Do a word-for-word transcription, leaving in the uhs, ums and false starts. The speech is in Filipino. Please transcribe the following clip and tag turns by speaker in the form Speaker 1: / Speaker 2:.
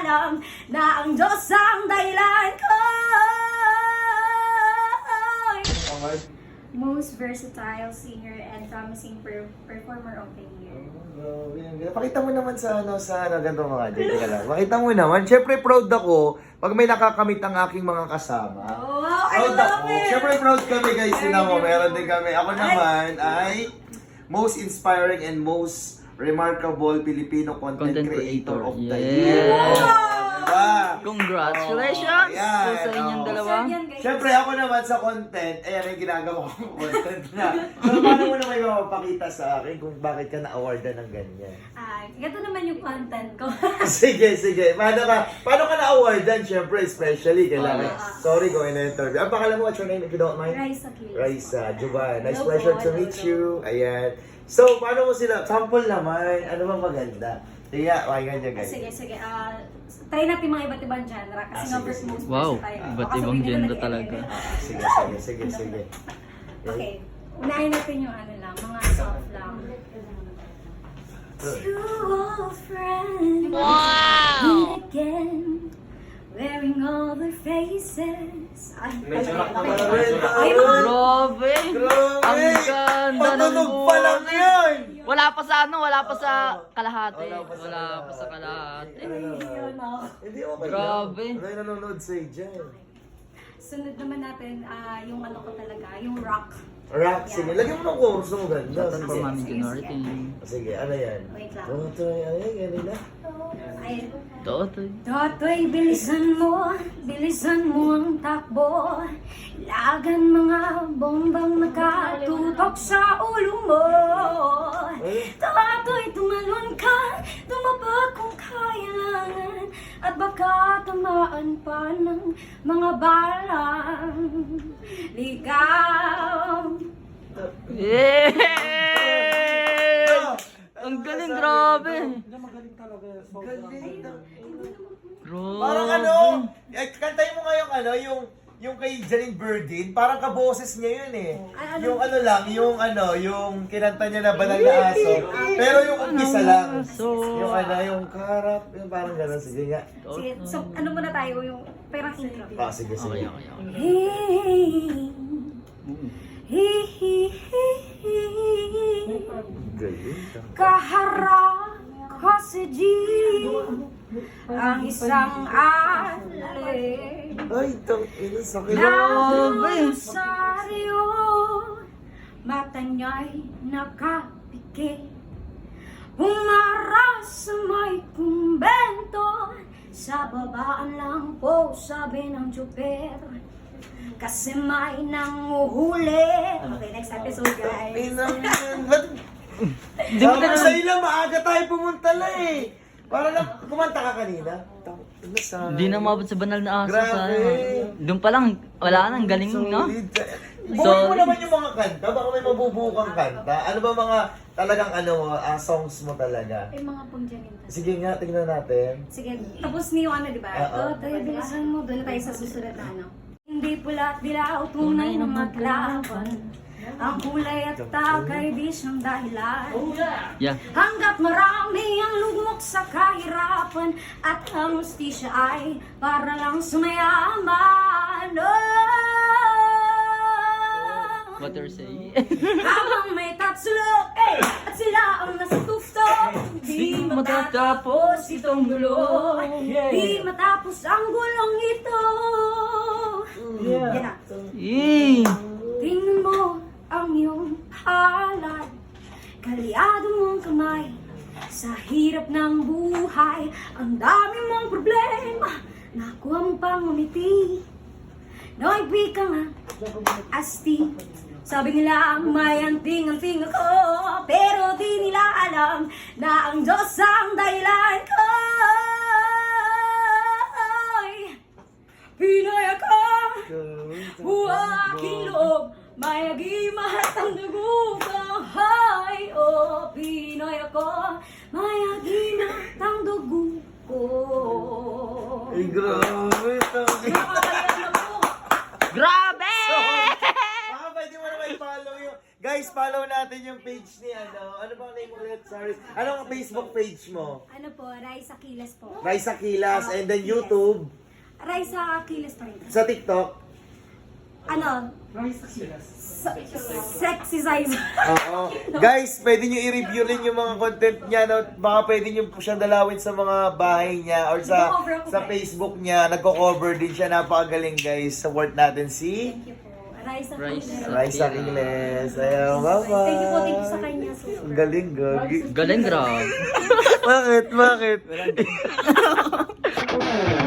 Speaker 1: alam na ang Diyos ang dahilan ko. Most versatile singer and promising per performer of the year.
Speaker 2: Oh, grabe yan. Pakita mo naman sa ano, sa ano, ganito mga Jay. Teka lang. Pakita mo naman. Siyempre proud ako pag may nakakamit ang aking mga kasama.
Speaker 1: Oh, wow, I
Speaker 2: Proud
Speaker 1: love
Speaker 2: ako.
Speaker 1: it!
Speaker 2: Siyempre proud kami guys. Sila mo, meron din kami. Ako naman ay most inspiring and most remarkable Filipino content,
Speaker 3: Content
Speaker 2: creator,
Speaker 3: creator.
Speaker 2: of the
Speaker 3: Yes.
Speaker 2: year.
Speaker 1: Wow!
Speaker 2: Diba?
Speaker 3: Congratulations
Speaker 2: Oh, yan.
Speaker 3: po sa inyong
Speaker 2: Oh.
Speaker 3: dalawa.
Speaker 1: Yan, guys.
Speaker 2: Siyempre ako naman sa content, ayan yung ginagawa kong content na. So paano mo naman mapapakita sa akin kung bakit ka na-awardan ng ganyan?
Speaker 1: Ah, ganito naman yung content ko.
Speaker 2: Sige, sige. Paano ka, paano ka na-awardan? Siyempre, especially, kailangan.
Speaker 1: Ah.
Speaker 2: Sorry kung ina-interview. Ang pangalan mo, what's your name if you don't mind?
Speaker 1: Raisa Kilis.
Speaker 2: Raisa, Juban. Nice
Speaker 1: Hello
Speaker 2: pleasure
Speaker 1: po,
Speaker 2: to
Speaker 1: hello,
Speaker 2: meet
Speaker 1: hello.
Speaker 2: you. Ayan. So, paano mo sila? Sample naman. Ano bang maganda? Sige, pakinggan niya guys.
Speaker 1: Sige, sige. Ah, try natin mga iba't ibang genre kasi
Speaker 2: Ah,
Speaker 1: nga
Speaker 2: sige,
Speaker 1: first
Speaker 2: sige.
Speaker 1: most
Speaker 3: Wow,
Speaker 1: versatile.
Speaker 3: iba't
Speaker 1: Baka
Speaker 3: ibang
Speaker 1: sabihin nila
Speaker 3: genre
Speaker 1: nag-edit.
Speaker 3: talaga.
Speaker 2: Sige, sige, sige, sige.
Speaker 1: Okay. Unahin natin yung ano lang, mga soft lang. Two old friends meet again, wearing all their faces. Ay,
Speaker 2: Medyo
Speaker 1: ay,
Speaker 2: rock
Speaker 1: ay,
Speaker 2: naman
Speaker 1: ay,
Speaker 2: rin.
Speaker 1: ay, mga
Speaker 3: Grabe!
Speaker 2: Grabe!
Speaker 3: Ang ganda ng
Speaker 2: Patunog pa lang yan!
Speaker 3: Wala pa sa ano, wala pa sa kalahati.
Speaker 2: Wala pa sa
Speaker 3: Wala pa sa
Speaker 2: kalahati.
Speaker 3: kalahati.
Speaker 2: Ano naman?
Speaker 1: yun, oh.
Speaker 2: Hindi, okay
Speaker 3: Grabe.
Speaker 2: lang. Ano yung nanonood sa'yo dyan?
Speaker 1: Sunod naman natin ah, yung ano ko talaga, yung rock.
Speaker 2: Rock, sige. Lagyan mo ng chorus mo ganda.
Speaker 3: Shoutout
Speaker 2: Sige.
Speaker 3: for Mami Junarte.
Speaker 2: Sige, ano yan?
Speaker 1: Wait lang.
Speaker 2: Oh, ito, ay, ganun na.
Speaker 1: Ay,
Speaker 3: Totoy.
Speaker 1: Totoy, bilisan mo, bilisan mo ang takbo. Lagan mga bombang nakatutok sa ulo mo. Totoy, tumalon ka, tumaba kung kailangan. At baka tamaan pa ng mga balang ligaw.
Speaker 3: Yeah! Ang galing, grabe!
Speaker 2: Galing.
Speaker 3: Grabe.
Speaker 2: Parang ano, ay, kantayin mo nga yung ano, yung yung kay Janine Berdin, parang kaboses niya yun eh.
Speaker 1: Ay, ano?
Speaker 2: Yung ano lang, yung ano, yung kinanta niya na banal na aso. Pero yung umpisa lang.
Speaker 3: Aso.
Speaker 2: Yung ano, yung karap, yung parang gano'n. Sige nga.
Speaker 1: Sige, so ano muna tayo, yung perang intro.
Speaker 2: Ah, sige, sige.
Speaker 3: Okay, okay, okay.
Speaker 1: Hey, hi, hi, hi, hi.
Speaker 2: Galing.
Speaker 1: Kaharap ko si G, ang isang alay.
Speaker 2: Ay, itong ino sakit.
Speaker 3: Grabe.
Speaker 1: Saryo, mata niya'y nakapikit. Umaras sa may kumbento, sa babaan lang po sabi ng tsuper. Kasi may nanguhuli. Okay, next episode guys.
Speaker 2: Pinang yan. Ba't?
Speaker 3: Di mo
Speaker 2: Sabi ko
Speaker 3: ganun.
Speaker 2: sa'yo lang, maaga tayo pumunta lang eh. Para lang, kumanta ka kanina. Ano sa...
Speaker 3: Hindi na umabot sa banal na aso.
Speaker 2: Grabe.
Speaker 3: Sayang. Doon pa lang, wala nang galing, no?
Speaker 2: Solid.
Speaker 3: So-
Speaker 2: Buhay mo naman yung mga kanta. Baka may mabubuo kang kanta. Ano ba mga talagang ano mo, ah, songs mo talaga?
Speaker 1: Ay, mga pong Janine.
Speaker 2: Sige nga, tingnan natin.
Speaker 1: Sige, tapos niyo ano, di ba?
Speaker 2: Oo.
Speaker 1: Ito, tayo, bilisan mo. Doon na tayo sa susunod na ano. Hindi pula at dilaw, tunay na maglaban. Ang kulay at takay di siyang dahilan.
Speaker 3: Yeah.
Speaker 1: Hanggat marami ang lugmok sa kahirapan at ang hustisya ay para lang sumayaman. Oh!
Speaker 3: What you're saying?
Speaker 1: Habang may tatsulok eh, at sila ang nasa tufto, di matatapos itong gulo. Di matapos ang gulong ito. Yan na.
Speaker 3: Yay!
Speaker 1: Tingnan mo ang iyong halad, kalyado mong kamay sa hirap ng buhay. Ang dami mong problema, nakuha mo pang umiti. Noy, ka nga, asti. Sabi nila may anting-anting ako, pero di nila alam na ang Diyos ang dahilan ko. Pinoy ako, aking loob, mayagi mahatang dugo ko. Hay, oh, Pinoy ako, mayagi mahatang dugo ko.
Speaker 2: Ay, grabe. Sabi.
Speaker 1: Nakakalimutan na po.
Speaker 3: Grabe!
Speaker 2: Baka pwede mo naman i-follow yung... Guys, Guys, follow natin yung page ni ano. Ano bang name ulit? Sorry. Ano ang Facebook page mo?
Speaker 1: Ano po, Raisa Kilas po.
Speaker 2: Raisa Kilas. And then YouTube.
Speaker 1: Raisa Kilas pa rin.
Speaker 2: Sa TikTok.
Speaker 1: Ano? Se- Sexy size.
Speaker 2: Oo. Guys, pwede nyo i-review rin yung mga content niya. No? Baka pwede nyo po siyang dalawin sa mga bahay niya or sa
Speaker 1: Nagko-cover ako,
Speaker 2: sa
Speaker 1: guys.
Speaker 2: Facebook niya. Nagko-cover din siya. Napakagaling guys. Support natin si
Speaker 1: Thank you po. Raisa
Speaker 3: Raisa.
Speaker 1: Kilas.
Speaker 2: Raisa Kiles. Ayaw, bye-bye.
Speaker 1: Thank you po, thank you sa kanya. Super.
Speaker 2: Ang galing, gagi.
Speaker 3: Galing, grabe.
Speaker 2: Bakit? Bakit?